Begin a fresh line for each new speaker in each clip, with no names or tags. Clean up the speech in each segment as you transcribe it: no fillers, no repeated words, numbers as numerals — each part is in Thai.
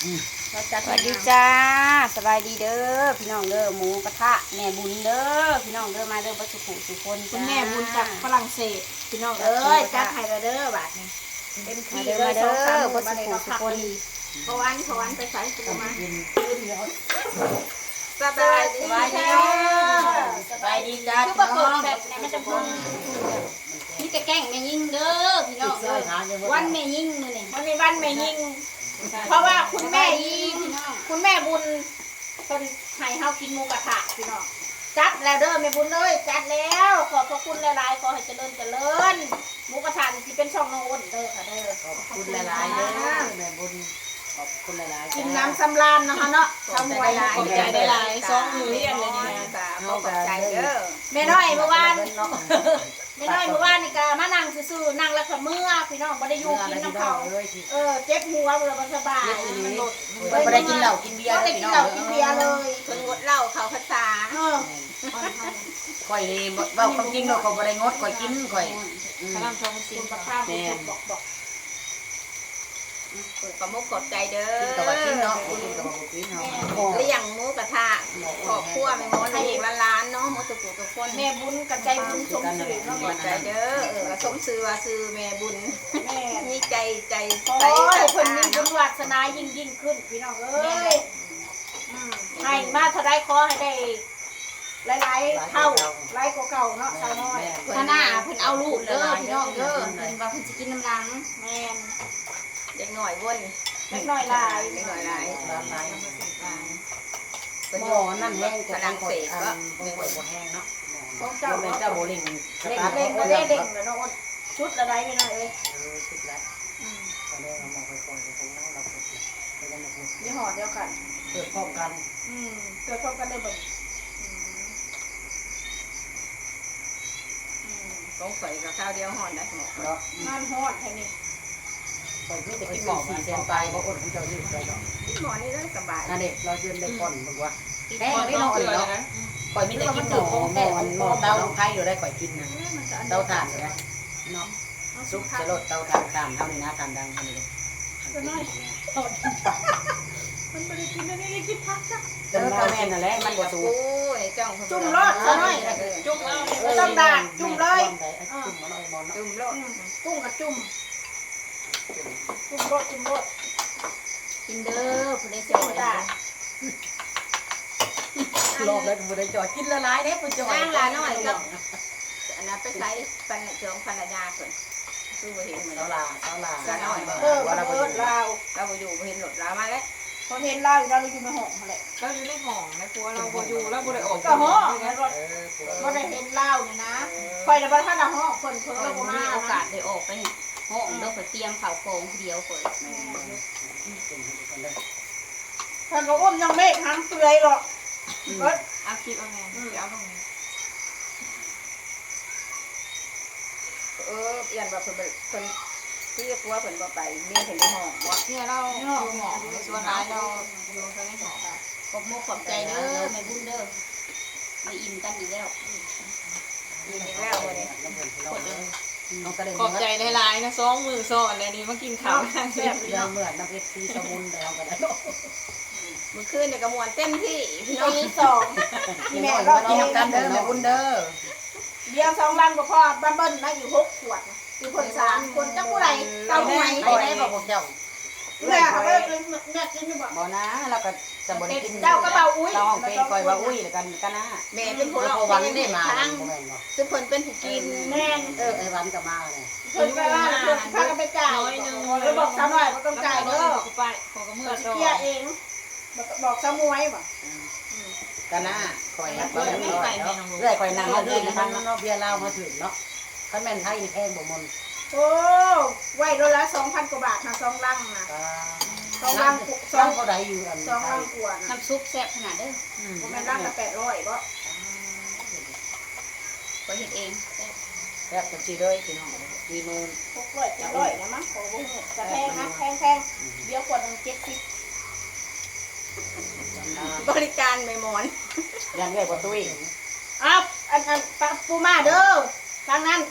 สวัสดีจ้าสบายดีเด้อพี่น้องเด้อหมูกระทะแม่บุญเด้อพี่น้องเด้อมาเด้อวัตถุสุคน
คุณแม่บุญจากฝรั่งเศสพี่น้องเอ้ยจัดให้เราเด้อบาทนี้เต็มที่เลยสองสามมื้อมาเลยเราพักดีเพราะวันไปใส่ตัวมาสบายดี
สบายดีจ้าพี่น้องแบบนี้มันจะพุ่งนี่แต่แกงแม่ยิ่งเด้อพี่น้องเด้อวันแม่ยิ่งมื้อนี้
วันนี้วันแม่ยิ่งเพราะว่าคุณแม่ยิ่งคุณแม่บุญคนให้เฮากินหมูกระทะพี่น้องจัดแล้วเด้อแม่บุญเลยจัดแล้วขอบพระคุณหลายๆขอให้เจริญหมูกระทะที่เป็นช่องน้องอ้นเด้อค่ะเด้อ
ขอบคุณหลายๆเด้อแม่บุญขอบคุณหลายๆ
กินน้ำสำราญนะคะเนาะทำไว้
ขอบใจได้หลายสองมือเรียนเลยนี่นะ
ขอบใจเด้อแม่น้อยเมื่อวานไม่น้อยเมื่อวานนี่ก็มานั่งซื่อๆนั่งแล้วก็เมื่อพี่น้องบ่ได้อยู่กินน้ำเขาเจ็บหัวเบื่อบ่สบาย
บ่ได้กินเหล้ากินเบียร์
บ่ได้กินเหล้ากินเบียร์เลยเพิ่นงดเหล้าเขาภาษา
ข่อยนี่เว้าความจริงเนาะข่อยบ่ได้งดข่อยกินข่อย
กำลังชมกินกับข้าวบอกขอมุกขอบใจเด้อ
กินกับว่ากินเนาะกินกับว่ากินเนาะ
เลี้ยงหมูกระทะขอบครัวแม่มดให้อีกล้านเนาะหมดทุกคนแม่บุญกับใจบุญสมชื่อเนาะขอบใจเด้อสมชื่อว่าชื่อแม่บุญแม่มีใจใสใสเพิ่นมีบุญวาสนายิ่งขึ้นพี่น้องเอ้ยให้มาเท่าใดขอให้ได้หลายๆเท่าหลายกว่าเก่าเนาะสาวน้อย
ถ้าหน้าเพิ่นเอาลูกเด้อพี่น้องเด้อเพิ่นว่าเพิ่นสิกินน้ำลัง
แม่นเด็กหน่อยวนเด็กหน่อยลายเด็กหน่อยลาย
หมอนั่นแห้งฝรั่งเศสก็ไม่ไหวบ่แห้งเนาะ
ของเจ้า
เจ้าโบลิ่ง
เล่งก็ได้เด็กเนาะชุดอะไรไปหน่อยเลย
ชุดละตอนแรกเรามองไปก่อนตรงนั้นเรา
ยี่ห้อเดียวกัน
เกิดพร้อมกัน
เกิดพร้อมกันได้บ่ต้องใส่กับข้าวเดียวห่อนได้หมดเนาะมันห่อนแค่นี้
ข่อยไม่ได้กินหมอ4 แสนไปบ่อดของเจ้าอยู่ใจเนาะ
หมอนี่ได้สบาย
นั่นเด้เราเดินได้ก่อนมึงว่าแห้งได้เนาะข่อยมีแต่กินหมอเตาไผ่อยู่ได้ข่อยกินนะเตาถ่านอยู่ได้เนาะซุปจะลดเตาถ่านตามเท่านี้นะตามดังเท่านี้เลย
มันไม่ได้กินอันนี้กินพักจ้ะ
เตาแม่นั่นแหละมันบ่สูง
จุ่มรสซะหน่อยจุ่มต้องด่างจุ่มเลยจุ่มรสกุ้งกับจุ่มรส
กินเด้อผู้ใดสิบ่ได้
รอบแล้วผู้ใดจอดกินละลายเด้ผู้จอด
นั่งละน้อยกับอันนั้นไปใช้ปันเชิงภรรยาเพิ่นคือบ่เห็นเหมือน
เราน้อย
เราบ่อยู่บ่เห็นรถเรามาแล้วพอเห็นเราอยู่ในห้องนั่นแหละ
เราอยู่ในห้องในครัวเราบ่อยู่เราบ่ได้ออก
ก็ห้องบ่ได้เห็นเราเนี่ยนะค่อยน่ะบ่ทันห้องเพิ่นเราบ่
มีโอกาสได้ออกไปห้องเด้อเพิ่นเตรียมข้าวของเดียวเพิ่น
ท่านก็อ้มยังเมฆหางเปื่อยหรอก
เอาคลิปเอาแม่เอาตรงนี้
เปลี่ยนว่าเพิ่นที่กลัวเพิ่นบ่ไปเมียเพิ่นในห้องบ่
เนี่ยเราอยู่หมอส่วนร้ายเราอยู่ในห้อง
ขอบมุกขอบใจเด้อแม่บุญเด้อไม่อิ่มกันอีกแล้ว
อิ่มอีกแล้วมื้อนี้
ขอบใจหลายๆนะ2 มื้อซ้อนแล้วนี่มากินข้าว
แซ่บเหมือนน้ำเพชรที่สมุนแล้วกันแล้ว
มื้อคืนนี่ก็ม่วนเต็มที่พี่น้องมี2
ที่แม่รอกินกันเด้อแม่บุญเด้อ
เบียร์2ลังบ่พอบ้านเบิ้ลนะอยู่6 ขวดคือคน3คนจังผู้ใดเก้าหน่วย
ได้บ่พวกเจ้า
แม่เขาได้กินแม่กินอยู่บ่
นะเราก็จะบ่ได้กิน
เจ้าก็เบาอุ้ย
เราห้องเป็นคอยว่าอุ้ยกันนะ
แม่เป็นคน
วันได้มา
ซึ่งเพิ่นเป็นผู้กินแม่
ไอ้วันก็มาเนี่ย
เพิ่นไปว่าเพิ่นพากันไปจ่ายแล้วบอกสาวน้อยบ่ต้องจ่ายเด้อ
ไปขอกับมื้อ
เคลียร์เองบอกสาวมวยบ่
กันนะคอยนักเรื่อยคอยนั่งเรื่อยทางเนาะเบียร์ลาวมาถึงเนาะคันแม่นไทยนี่แพงบ่มน
โอ้ไว้โลละ 2,000 กว่าบาทนะ2 ลังนะ2 ลัง
เท่าใดอยู่อัน
2 ลังกว่า
น้ำซุปแซ่บขนาดเด้อ
บ่แม่นลังละ800บ่
ก็เฮ็ดเอง
แซ่บจังซี่เลยพี่น้อง
600 700นะมั้งโอ้โหจะแพงนะแพงเดี๋ยวขวดนึง70บริการไม่หมอน
ยันเอ้ยบ่ตุ้ย
อ้าวอันปูมาเด้อทางนั้น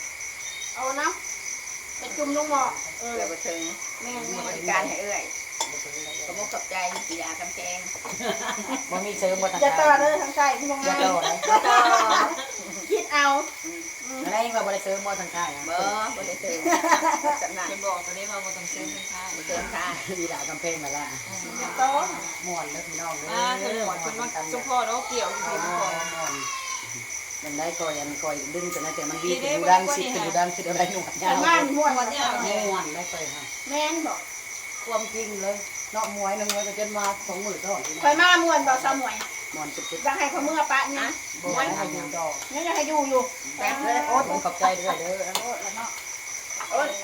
เอานะไปจุ่มลงหม้อ
แล้วบ่ถึง
แม่
บริการให้เอ้ย
ขอบขอบใจปียาคำแพง
บ่มีเสริมบ่ทาง
จะต่อ
การ
เด้อทางใต้ที่มอง
อย่า
ง่าย
ต่อเลย
ต่อ
คิดเอา
อะไรว่าบ่ได้เสริมบ่ทางการอ่ะ
บ่ได้เติมสำนัก
เป็นบอกตอนนี้ว่าบ่ต้องเซ็นเป็นค่า
เติมค่ะ
ดีด่ากำแพงมาละ
ต้น
ม่วนเด้อพี่น้องเด้อ
เพิ่นหมดเพิ่นว่าสุพอเราเกี่ยวอยู่ที่พ่อ
มันได้ก่อยอันก่อยดึงจนนั้นแต่มันวีเป็นดูดังสิเป็นดูดังคืออะไรหนวดยา
แต่
ว
ม่านม่วน
วันยาว
ม่วนได้ก่อยค่ะ
แม่นบอก
ความจริงเลยเนาะมวยนึงมันก็จนมา2มื้อเท่านี้
คอยมาม่วนบอกสาวหมวย
ม่วนสุด
อยากให้เขาเมื่อปะเนี่ย
ๆบ่ให้ให้อยู่ดอก
เนี่ยอยากให้อยู่อยู่
แป๊บเลย
โอ้ผมขอบใจด้วยเด้อ
โอ้แล้วเนาะ
โอ้ย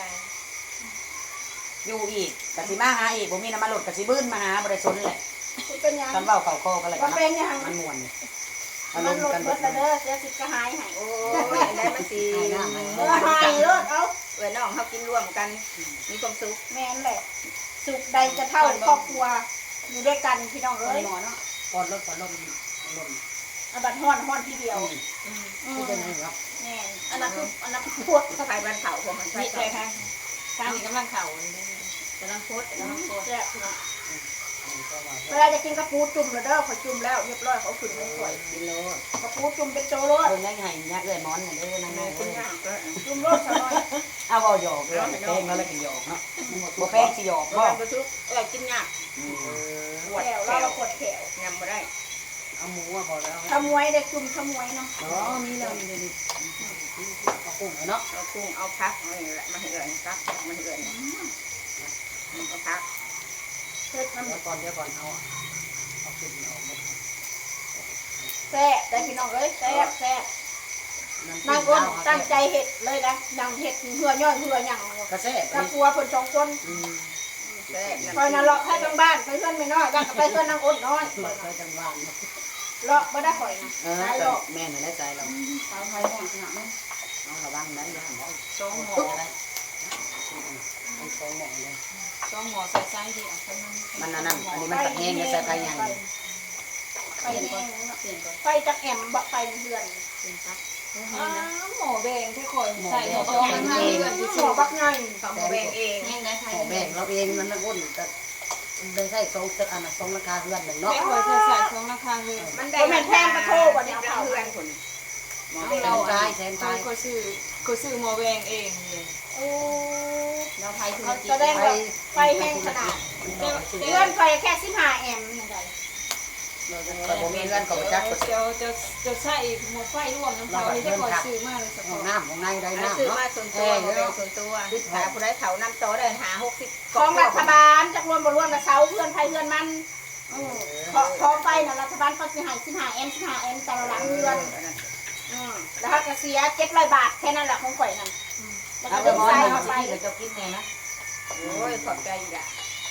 อยู่อีกกะสิมาหาอีกบ่มีน้ำมันรถกะสิบื้นมาหาบ่ได้สนแหละ
เป็นยัง
กันเว้าเข้าคอกันเลย
ว่าเป็นยัง
มันม่วนอา
มั
ร
น
ม
ล
ณ์
ด
กัน
เบิดละเด้อเสียสิกระหายให้
โอ้ยได้มันสี
หายรถเอา
เออน้องเขากินร่วมกันมีความสุข
แม่นแหละ สุขใดจะเท่าครอบครัวอยู่ด้วยกันพี่น้องเอ้ย
หมอเนาะก่อนรถก่อนลมลม
อาบัดฮ้อนฮ้อนทีเดียว
คือเป็นไงครับ
แม่นอันนั้นคือพวก
ไปบ้านเขาพวกมันไป
นี่เลยค่ะทางนี้กำลังเข่าเลย
กำลังโพสกำลังโพส
แซ่บพี่น้องเวลาจะกินกระปูจุ่มแล้วเด้อขอจุ่มแล้วเรียบร้อยเขาขึ้นไม่สวย
กิโล
กระปูจุ่มเป็นโจโรส
เพิ่นยังให้ยักเลยมอนเด้อนาง
แม่
แม่
คุ
เอ้
ณ
ย
ย่างก็
จุ่มโรสซะหน่อย
เอาเว้าหยอกเลยแพงแล้วแล้วก็หยอกเนาะบ่แพงสิหยอก
บ้า
บ่
นประชุกกินยากปวด
แขว
แข
เรา
ว
ปวดแขว
ยำมาได้
เอาหมูมาบ่แล้ว
ขมวยได้จุ่มขมวยเนาะ
อ๋อนี่แล้วนี่เอากุ้งเนาะ
เอากุ้งเอาพักอะไรมาให้เลยพักมาให้เลยเอาพัก
เฮ็ดมัน
เดี๋ยวก่อนเอาขึ้นเอาหมด
แซ่บได้พี่น้องเอ้ยแซ่บแซ่บนางคนตั้งใจเฮ็ดเลยนะนางเฮ็ดเพื่อย่อยเพื่อหยัง
กระแซ่บ
กับปัวเพิ่นสองคน
แซ่บ
คอยน่ะเลาะให้ทั้งบ้านไปเพื่อนไม่น้อยบ้านก็ไปเพื่อนนางอ้นน้อย
เคยจังหวะ
เลาะบ่ได้ข่อยนะ
เออ
ตายเลาะ
แม่น่ะได้ใจเรา
สาวไทยห้องขนาดนั้น
เอาระวังนะอย่าหันเอา
สองหมอ
ได้เอาสองหม้อเลย
สองหมอใส่ไส้ดีอ่ะ
มันนั่นอันนี้มันตัดแห้งแล้วใส่ไฟใหญ่
ไฟแห้งไฟจักแอมบักไฟเดือน
หมอแบงที่คอยใส่หมอแบง
หมอบักไง
เขาแบ่งเอง
ขอแบ่งเราเองมันนะอ้นแต่ได้ใส่สองอันน่ะสองราคาเพื่อนหนึ่งเนาะ
ไม่คอยใส่สองราคาเลย
มันได้เพื่อนคน
เราตายแทน
ค
ตาย
อยซื้อหมอแบงเองเลย
โอ้
เราไทยคือ
แสดงว่าไฟแห้งขนาดเลื่อนไฟแค่15แอมป์นี่ไง
แต่ผมมีเงินของจักร
จะใส่หมดไฟร่วมน้ำเปล่าที่จะคอยซื้อมาเลยสัก
ของน้ำของในได้น้ำ
ซื้อ
เนาะ
มาส่วนตัวส่วนตัวหาผู้ได้เถาน้ำโตเดินหา60
ของรัฐบาลจักรวมบ่รวมกับเสาเพื่อนไฟเพื่อนมันพอไฟน่ะรัฐบาลเขาสิให้15แอมป์15แอมป์แต่ละหลังเรือนแล้วก็เสีย700 บาทแค่นั้นแหละของข่อยนั่นแล้ว
เอา
ก็
ไป
ดึง
มอ
สาย
น
เข้าไป
ที่เราจะกินเนี่ยนะ
โอ้ยขอบใจอีกอ่ะ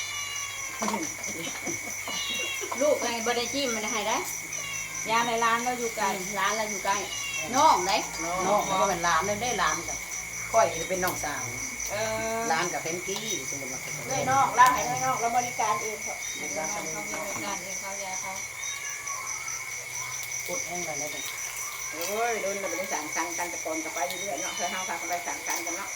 ลูกไงบ่ได้จิ้มมันให้ได้
ยาในร้านเราอยู่ไกล
ร้านเราอยู่ใกล้น้องได้
น้องก็เป็นหลานได้หลานกับค่อยเป็นน้องสาว
ร้า
ร้าน นกับเพนกี้สมมติว่า
เลยน้องร้านให้เลยน้องเราบริการเองเถอะ
เขามีบริการเองเขายาเขา
พูดแห้งเลยนะ
โอ้ยโดนเราไปสั่งกันตะโกนกันไปเรื่อยเนาะเพื่อห้าพากันไปสั่งกันเนาะ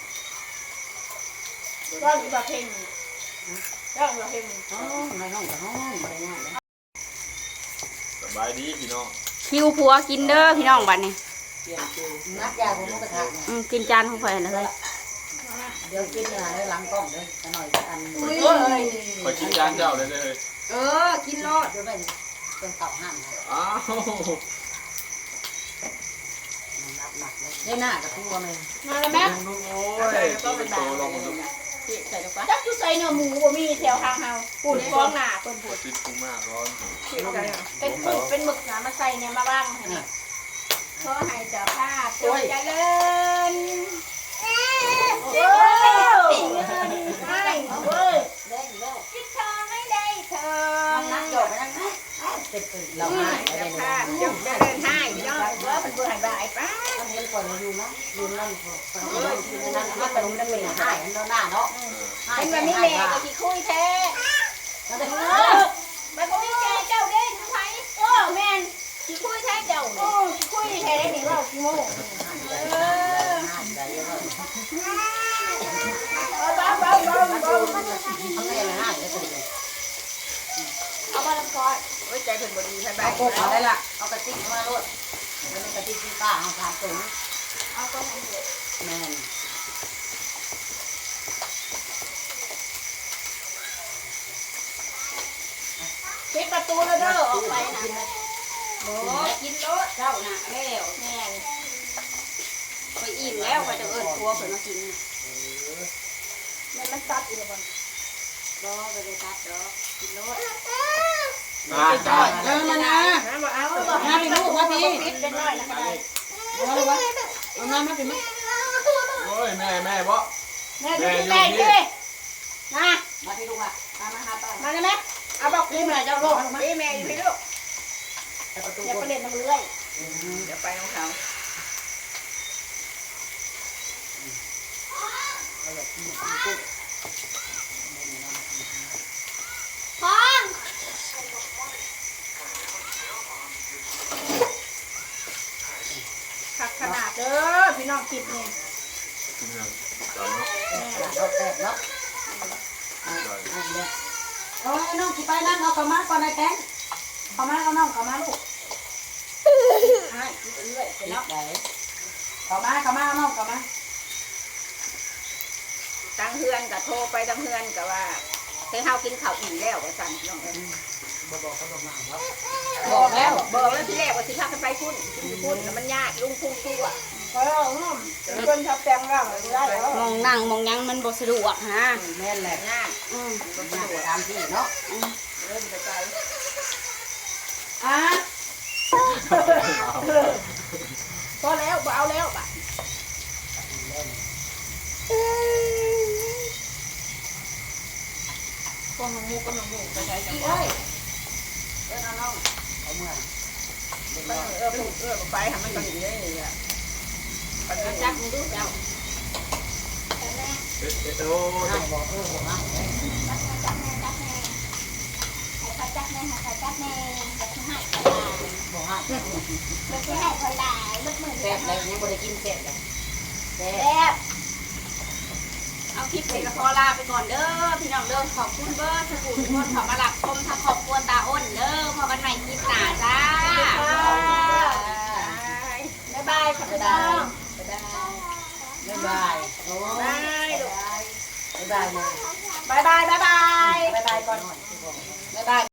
ก็มีประเพณีก็มีประเพณี
อ๋อในห้องกับห้องอะไรง่ายเลย
สบายดีพี่น้อง
คิวผัวกินเด้อพี่น้องบัดนี้
เปลี่ยนคิวนัดยาผมกระทะเนี่ย
กินจานของข่อยเลย
เดี๋ยวกินเนี่ยหลังกล้องเลยหน่อยอัน
คอยกินจานเจ้าเลยเลย
กินรอด
เดี๋ยวไปเป็นเต่าห้าม
อ้าว
นับหนักเลยได้หน้ากับตัวเลย
มาแล้วแม่
ลุงโอ้ยตัวเป็นโตลงมาดู
ใส่ลงไป
จักจุใส่เนื้อหมูบ่มีแถวทางเฮาปุ่นฟองหน้าเพิ่น
ปวดติดพุงมากร้อน
เป็นปูเป็นหมึกนะมาใส่เนี่ยมาบ้างให้ขอให้เจ้าภาพจงเจริญโอ้ไม่เว้ย
ได้แล้ว
คิดทองให้ได้เธอ
นักโยกไปนั่งเป็นเราง่ายไม่ได้
พา
เนาะ
จงจะเดินให้เนาะ
ว่าเป็นผู้ให้บ่ายป้า
เห็นก่อนเราอยู่นะอยู่นั่นอยู่นั่นถ้าขนมนั่นเป็นหายอันหน้าเนาะ
เป็นแบบนี้แหละก็สิคุยแท้มันก็มีแกเจ้าเด้ทุกไผแม่นสิคุยแท้เจ้าสิคุยแท้ได้นี่ว่ากี่โมงบ้า
ทำไงไม่ให้แล้วสิ
ซอย
โอ้ยใจเพิ่นบ่ดีไผไป
เอาโคกเอาได้ละเอากระติกมาโลดมันเป็นกระติกที่ป้าเอาขาดสูง
เอาก็ให้เด็ก
แม่น
ปิดประตูแล้วเด้อออกไปนะ
โอ้กินโลดเจ้าน่ะแล้ว
แม่น
ไปอิ่มแล้วก็จะเอิ้นครัวเพิ่นมากิน
แม่มันซัดอีกแล้วบ่
บ่ไปได้ตัดดอกกินโลด
เออมานะ
บ่เอาบ่
มาพี่ลูกมาพี่
ปิดเป็นน้อยนะก็ได้
เอาเลยวะเอามามาพี่มา
โอ้ยแม่บ่
แม่ดูแม่ดินะ
มาพี่ลูกอ่ะมาหาป้า
มาได้ไหมเอาบอกพี่แม่เจ้าลูก
พี่แม่อยู่พี่ลูก
แต่ประตู
อย่า
บ
ไป
น
เล่นน้ำเลื่อย
เดี๋ยวไปของเขา
พร้อมขักขนาดเด้อพี่น้องกินนี่
กินแล้วจานเนาะ
เอาแตกเนาะ
ได้
เอาให้น้องขี่ไปนั่งเอาเข้ามาก่อนไอ้แตงเข้ามาเอาน้องเข้ามาลูก
ให้เลื่อยไป
เนาะ
เนาะ
เข้ามาเอาน้องเข้ามา
ตั้งเฮือนก็โทรไปตั้งเฮือนก็ว่าเฮ้ยเฮากินข้าวอิ่มแล้วว่าซั่นน้องเอ้ย
บอกเขาบอกมาว่า
บอกแล้วที่แรกว่าสิพากันไปพุ่นแล้วมันยากลุงพุ่งตัว
เพราะว่าคนชอบแต่งร่างได้แล้ว
มองนั่งมองยังมันบ่สะดวกฮะ
แม่นแหละ
ยาก
มันมาตามที่เนาะ
เริ่มจะไป
อ่ะพอแล้วบ่เอาแล้วบ่
พวกน้องมูก็น้องมูไปใช้จัง
เอ้ย
เดินเอาน้องเอาเมื่อ
ไปทำมันก็หนีได้เลยอ่ะปัญจักมึงดูเจ้า
โอ้
ให้บอกบอกนะ
จับแม่จับแม่ให้เขาจับแม่ให้เขาจับแม่จะให้เขาได้
บอกให้
จะให้เขาได้ลูกมือ
แซ่บเลยยังบ่ได้กินแซ่บเลยแซ่บ
แซ่บ
เอาคลิปไปกับพอลาไปก่อนเด้อพี่น้องเด้อขอบคุณเบอร์สกูทุกคนขอมาหลับชมทางครอบครัวตาอ้นเด้อพอกันใหม่คลิปหน้าจ้า
บ๊ายบายค่ะพี่น้อง
บ๊ายบายโอ้
บายลูก
บ๊ายบายเลย
บายบายบายบาย
บ๊ายบายก่อนบ๊ายบาย